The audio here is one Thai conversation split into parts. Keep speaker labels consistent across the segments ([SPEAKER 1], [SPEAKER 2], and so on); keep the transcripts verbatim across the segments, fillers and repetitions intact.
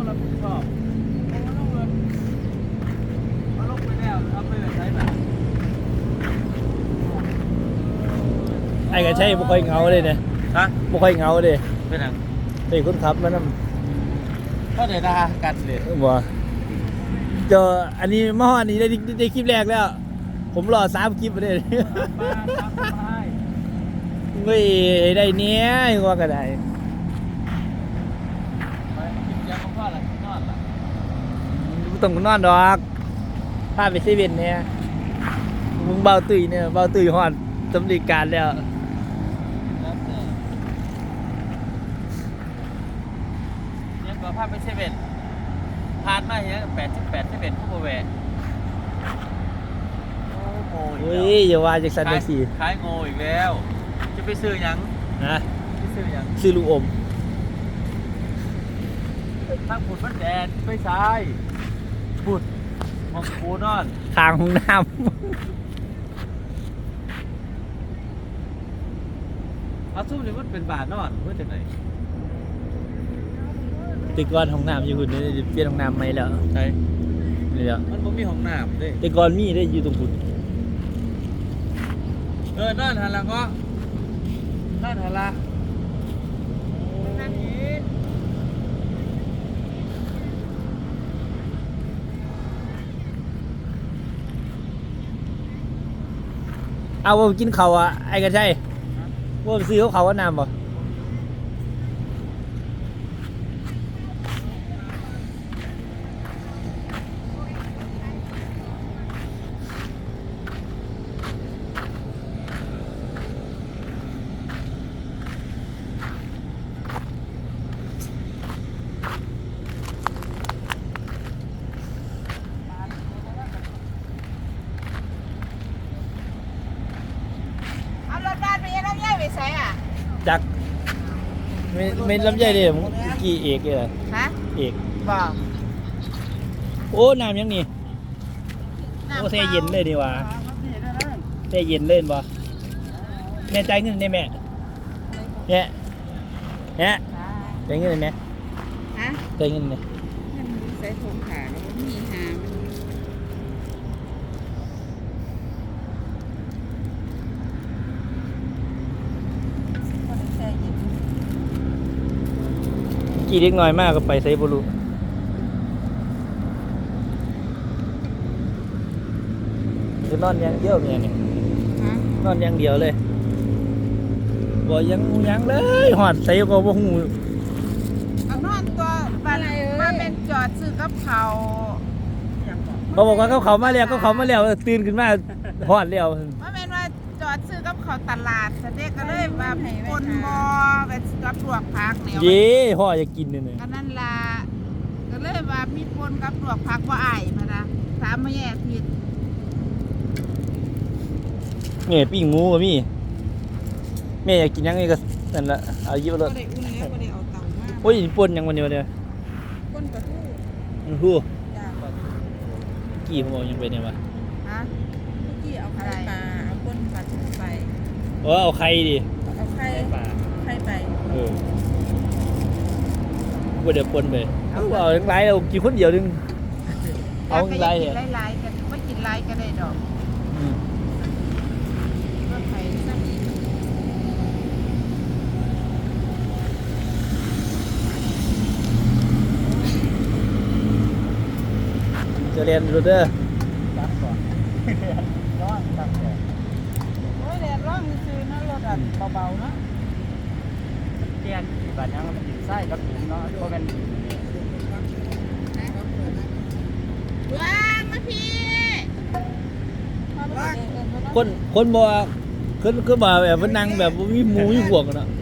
[SPEAKER 1] รับผิดชอบเอาลงเลยเอาลงไปแล้วเอาไปเลยใช้แบบ
[SPEAKER 2] ไอ้ก็ใช่บุคอยเงาเลยเนี่ย
[SPEAKER 1] ฮะ
[SPEAKER 2] บุคอยเงาเลย
[SPEAKER 1] เป็นยัง
[SPEAKER 2] ไอ้คนขับมันนั่น
[SPEAKER 1] ก็เดี๋ยวนะกันเลย
[SPEAKER 2] บ่เจออันนี้มาฮอดนี้ได้ได้คลิปแรกแล้วผมรอสามคลิปไปเลยเฮ้ยได้เนี้ยว่าก็ได้ต้องนอนดอกพาไปเซเว่นเนี่ยมึงเบาตุยเนี่ยเบาตุยฮอดสำลีการแล้ว
[SPEAKER 1] เนี่ยก็พาไปเซเว่นผ่านมาเนี้ยแปดสิบแปดเซเว่นผู้บริเวณโอ้โห
[SPEAKER 2] เฮ้ยอย่าว่าจากสันจังสี่
[SPEAKER 1] ขายโง่อีกแล้วจะไปซื้อยัง
[SPEAKER 2] นะ
[SPEAKER 1] ไปซื้อยัง
[SPEAKER 2] ซื้อลูกอม
[SPEAKER 1] ทางผุดมันแดดไปซ้ายผุดมองปูนอน
[SPEAKER 2] ทางห้องน้ำ
[SPEAKER 1] เอาซุ้มนี่มันเป็นบาทนอนเพื่อจากไหน
[SPEAKER 2] แต่ก่อนห้องน้ำอยู่หุ่นนี่เปลี่ยนห้องน้ำใหม่แล้ว
[SPEAKER 1] ใช่
[SPEAKER 2] นี่แหละ
[SPEAKER 1] มันบ่มีห้องน้ำด้วย
[SPEAKER 2] แต่ก่อนมีได้อยู่ตรงหุ่น
[SPEAKER 1] เออนอนหันหลังก็นอนหันหลังนั่นเอง
[SPEAKER 2] เอาว่ากินเขาอ่ะไอ้กันใช่ว่าไปซื้อเขาเขาว่าน้ำบ่จักไม่ไม่ลำใหญ่เลยมึงกี่เอกเลยเหรอ
[SPEAKER 3] ฮะ
[SPEAKER 2] เอก
[SPEAKER 3] บอก
[SPEAKER 2] โอ้น้ำยังนี่โอ้เทเย็นเลยดีวะเทเย็นเล่นบ่แม่ใจเงินได้แม่เนี่ยเนี่ยใจเงินได้ไหม
[SPEAKER 3] ฮะ
[SPEAKER 2] ใจเงินเนี่ย
[SPEAKER 3] ใส่ถุงขาแล้วมันมีหา
[SPEAKER 2] กี่เล็กน้อยมากก็ไปไซบูรุจะนอนยังเยอะเนี่ยนี่นอนยังเดียวเลยบ่ยังยังเลยหอดใส่ก็บ่หู
[SPEAKER 3] เอานอนตัวบ้านมาเป็นจอดซื้อกับเขา
[SPEAKER 2] เขาบอกว่าเขาเขามาแล้วก็เขามาแล้วตื่นขึ้นมาหอดแล้ว
[SPEAKER 3] มาเป็นว่าจอดซื้อกับเขาตลาดเด็กก็เลยแบบคนมอแบบกับลวกผักเนี่ย
[SPEAKER 2] เย่ห่ออยากกินเนี่ย
[SPEAKER 3] ก็นั่นล่ะก็เลยว่ามีปนกับลวกผักว่าอ้ายพะนะถามมาแย่ผิด
[SPEAKER 2] แม่ปิ้งหมูก็มีแม่อยากกินยังไงก็นั่นละเอายิบเลยโอ้ยปนยังวันเดียวเดียว
[SPEAKER 3] ปนปลาทู
[SPEAKER 2] มันทู่กี่ผมบอกยังไปเนี่ยวะ
[SPEAKER 3] ฮะกี่เอาไข่ปลาเอาปนปลาทูไป
[SPEAKER 2] เออเอาไข่ดิ
[SPEAKER 3] เอาไข่ปลาไข่ไป
[SPEAKER 2] เออว่าเดี๋ยวปนไปเอาเอาไล่เรากินคนเดียวนึงเอาไล่
[SPEAKER 3] เนี่ยไล่ๆกันไม่กินไล่ก็ได้ดอกก็ไข่ซ้ำอีก
[SPEAKER 2] จะเรียนรู้เด้อ
[SPEAKER 1] ตักก่อนร้อนตักก่อน
[SPEAKER 3] โอ้ยแดดร้อนซื้อนะรถอันเบาๆนะ
[SPEAKER 1] เตียนบาดยังมันอยู่ไส้กับถุงเนาะเพราะเป็น
[SPEAKER 3] ว้างมาพี่
[SPEAKER 2] คนคนบอกคนคือบ่แบบว่านั่งแบบมีหมูมีพวกเนาะ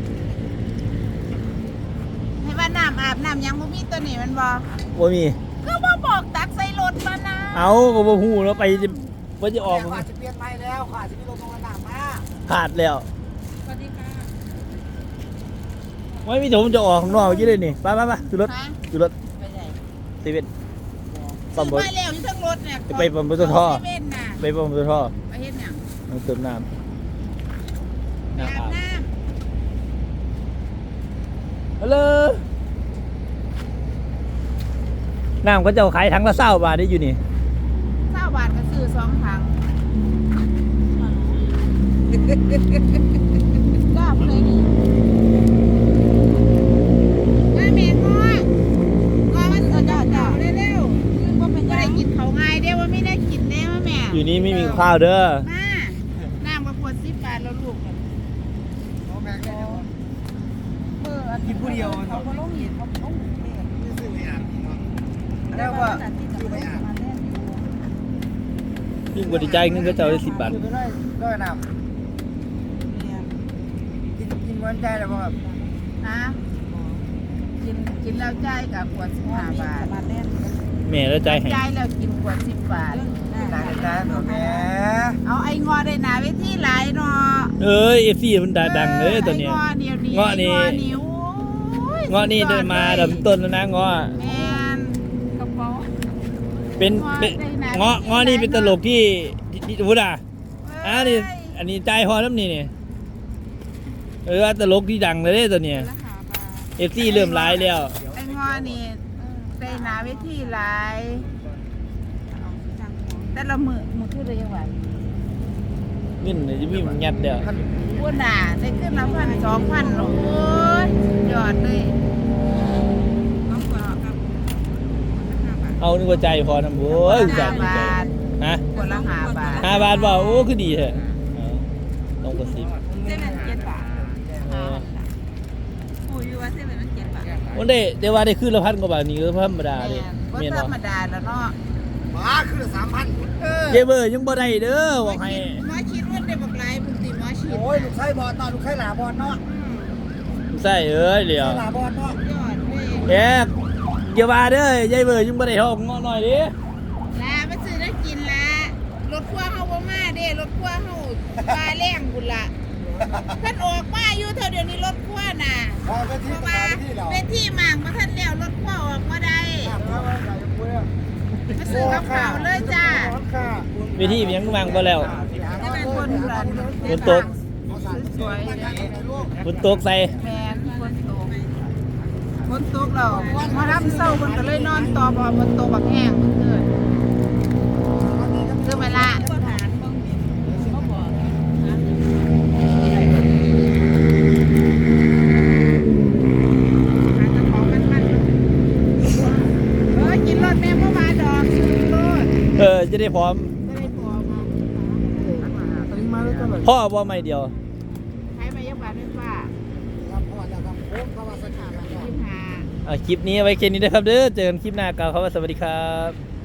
[SPEAKER 3] ให้ว่าน้ำอาบน้ำยังบ่มีตัวนี้มันบ่
[SPEAKER 2] บ่มี
[SPEAKER 3] ก็บ่บอกตักใส่รถมานะ
[SPEAKER 2] เอาก็บ่ฮู้แล้วไปจะบ่จะออก
[SPEAKER 1] ขาดจะเปลี่ยนใหม่แล้วขาดจะมีลมลงน้ำมา
[SPEAKER 2] ขาดแล้ว
[SPEAKER 3] สวัสดีค่ะ
[SPEAKER 2] ไม่มีผมจะออกข้างนอกอยู่เลยนี่ไปไปๆๆขึ้นรถขึ้นรถ
[SPEAKER 3] ไปไหน
[SPEAKER 2] เซเว่น
[SPEAKER 3] ปั๊มบ่ไปแล้วอยู่ทั้งรถเนี่ย
[SPEAKER 2] ไปปั๊มปตทไปปั๊มปตท
[SPEAKER 3] ไปเฮ็ดหยัง
[SPEAKER 2] มันเติมน้ำ
[SPEAKER 3] อาบน้ำ
[SPEAKER 2] ฮัลโหลน้ำก็จะขายถังละเศร้าบาทได้อยู่นี่
[SPEAKER 3] เศร้าบาทก็ซื้อสองถังจ้าผู้ใดนี่มาแม่งองอมันเออจ้าจ้าเร็วๆบ่เป็นได้กินเขาง่ายเด้ว่าไม่ได้กินแน่ว่าแม่
[SPEAKER 2] อยู่นี่ไม่มีข้าวเด้อ
[SPEAKER 3] มาน้ำกระขวดสิบบาทแล้วลูกกินผู้เดียวเขาก็ลงหินเขาลงแล้วว่า
[SPEAKER 2] ยิ่งกว่าดีใจเงินก็จะเอาได้สิบบาท
[SPEAKER 4] ซื้อไปได้ได้น้ำกินกินวันใจแล้วบ่ครับ
[SPEAKER 3] ฮะกินกินแล้วจ่ายกับขวดสิบห้าบาท
[SPEAKER 2] แม่แล้วใจให้
[SPEAKER 3] จ่ายแล้วกินขวดสิบบาท
[SPEAKER 4] หลายจานตัวแม่
[SPEAKER 3] เอาไอ้งอได้หนาเวทีหลายเนาะ
[SPEAKER 2] เอ้ยเอฟซีมันดังเลยตัวเนี้ย
[SPEAKER 3] ไอ้งอเดียวนี้
[SPEAKER 2] เงาะนี่
[SPEAKER 3] ไอ้นิ้ว
[SPEAKER 2] เงาะนี่ได้มาดำต้นแล้วนะเงาะ
[SPEAKER 3] แมนกระเป๋า
[SPEAKER 2] เป็นเป็นเงาะเงาะนี่เป็นตลกที่ที่ที่พูดอ่ะอ่านี่อันนี้ใจฮอน้ำนี่เนี่ยเออตลกที่ดังเลยเด้ตัวเนี้ยเอฟซีเริ่มร้ายแล้ว
[SPEAKER 3] ไอ้งอนี่ได้หนาเวทีหลายแต่ละมือมือคือได้ยังไง
[SPEAKER 2] เงินจะมีมันยัดเดียว
[SPEAKER 3] พูดน่ะได้ขึ้นละพันสองพันโอ้ยยอดเลยน้องกว่าครับ
[SPEAKER 2] เอานึกว่าใจพอนะโว้ยใจ
[SPEAKER 3] ห้า
[SPEAKER 2] ดีใจ
[SPEAKER 3] บาท
[SPEAKER 2] ฮะ
[SPEAKER 3] คนละห้าบาท
[SPEAKER 2] ห้าบาทบอกโอ้คือดีเถอะเอาต้องกระซิบ
[SPEAKER 3] เส้นมันเจ็ดบาทห้าบาทผู้อยู่ว่าเส้นมันเจ็ดบาท
[SPEAKER 2] วันได้ได้ว่าได้ขึ้นละพันกว่าบาทนี่ก็ธรรมดาเลย
[SPEAKER 3] ก็
[SPEAKER 2] เมียน
[SPEAKER 3] ธร
[SPEAKER 2] บอก
[SPEAKER 3] รมดาแล้วเนาะ
[SPEAKER 4] มาคือสามพัน
[SPEAKER 3] เออ
[SPEAKER 2] เจเบอร์ยังบ่ได้เด้อบอกให้
[SPEAKER 3] หมอฉีดว่าได้บักหลายบุญติหมอฉีด
[SPEAKER 4] โอ้ยลูกไส้บอลต่อลูกไส้หลาบอลเนาะ
[SPEAKER 2] ใส่เอ้ยเดี๋ยว
[SPEAKER 4] หลาบอลเนาะ
[SPEAKER 3] ยอดเลย
[SPEAKER 2] แอบอย่าว่าเด้อเจเบอร์ยังบ่ได้ทองงอหน่อยดิ
[SPEAKER 3] ลามาซื้อได้กินละรถพ่วงเฮาบ่มาเด้รถพ่วงเฮาปลาแรงบุญละท่านออกมาอยู่เท่าเดี๋ยวนี้รถพ่วงน่ะ
[SPEAKER 4] พอเป็น
[SPEAKER 3] เพ
[SPEAKER 4] ที่
[SPEAKER 3] ราะ
[SPEAKER 4] ตา
[SPEAKER 3] ว่า
[SPEAKER 4] ที่เรา
[SPEAKER 3] เป็นที่หมางมาท่านแล้วรถพ่วงออกมาได้ มาซื้อกับข้าวเลยจ้า
[SPEAKER 2] เวทีมันยังวางบ่แล้ว
[SPEAKER 3] จะเป็นคนรัน
[SPEAKER 2] ฝนตก
[SPEAKER 3] สวย
[SPEAKER 2] ฝนตกใส่
[SPEAKER 3] แมนคนตกคนตกเรามารับเศร้าคนก็เลยนอนต่อพอฝนตกบักแห้งเมื่อคืนคือเวลาเออกินรถแม่เมื่อวานดอกซื้อรถ
[SPEAKER 2] เออจะได้พร้อม
[SPEAKER 3] ก็ได้ตัวมา
[SPEAKER 4] มาแล้วก็แบบ
[SPEAKER 2] พ่อบ่ไม่เดียว
[SPEAKER 3] ใช้มายกบาทด้วยป้า
[SPEAKER 4] ครับพอแล้วครับโอ้เข้ามาสักขาแล้ว
[SPEAKER 3] ยี่สิบห้า
[SPEAKER 2] อ่ะคลิปนี้ไว้แค่นี้นะครับเด้อเจอกันคลิปหน้ากล่าวคำว่าสวัสดีครับ